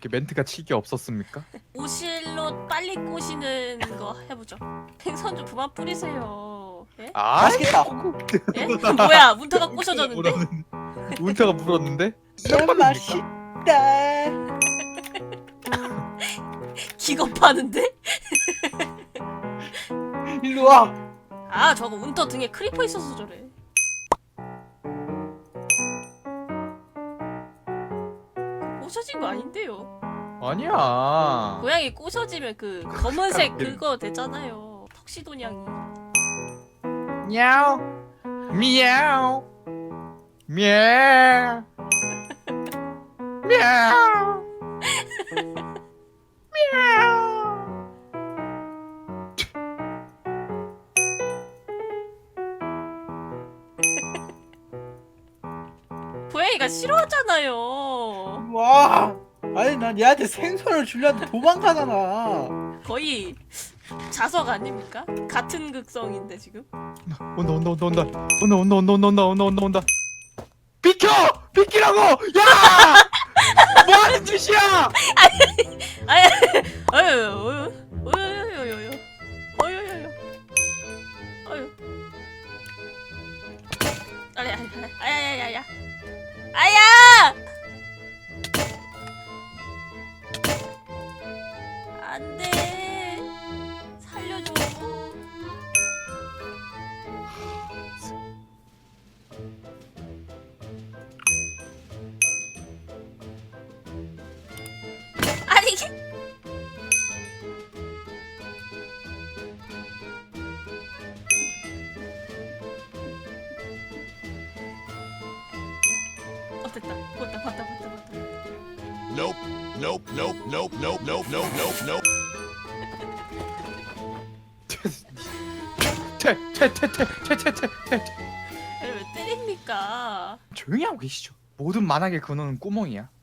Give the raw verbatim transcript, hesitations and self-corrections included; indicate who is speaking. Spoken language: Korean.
Speaker 1: 이렇게 멘트가 칠게 없었습니까?
Speaker 2: 오실로 빨리 꼬시는 거 해보죠. 생선 좀 그만 뿌리세요. 예?
Speaker 1: 아
Speaker 3: 맛있겠다.
Speaker 2: 예? 뭐야 문터가 꼬셔졌는데?
Speaker 1: 운터가 물었는데?
Speaker 3: 너무 맛있다.
Speaker 2: 기겁하는데?
Speaker 3: 일로 와.
Speaker 2: 아 저거 운터 등에 크리퍼 있어서 저래. 꼬셔진 거 아닌데요.
Speaker 1: 아니야.
Speaker 2: 고양이 꼬셔지면 그 검은색 그거 되잖아요. 턱시도냥이.
Speaker 1: 미야오 미야오 미야오 미야오 미야오.
Speaker 2: 고양이가 싫어하잖아요.
Speaker 3: 와. 아니 난 얘한테 생선을 주려는데 도망가잖아.
Speaker 2: 거의 자석 아닙니까? 같은 극성인데 지금.
Speaker 1: 온다 온다 온다 온다 온다 온다 온다 온다 온다 온다 온다. 비켜! 비키라고! 야! 뭐 하는 짓이야!
Speaker 2: 아유, 아유, 어유, 어유, 어유, 어유, 어유, 어유. 아야, 아야, 아야, 아야. 안 돼. 살려줘. 아니 이게 어 됐다. 봤다, 봤다, 봤다, 봤다.
Speaker 4: Nope, nope, nope, nope, nope, nope, nope, nope, nope.
Speaker 1: 퇴퇴퇴퇴퇴퇴퇴퇴.
Speaker 2: 얘를 왜 때립니까?
Speaker 1: 조용히 하고 계시죠. 모든 만악의 근원은 꾸멍이야.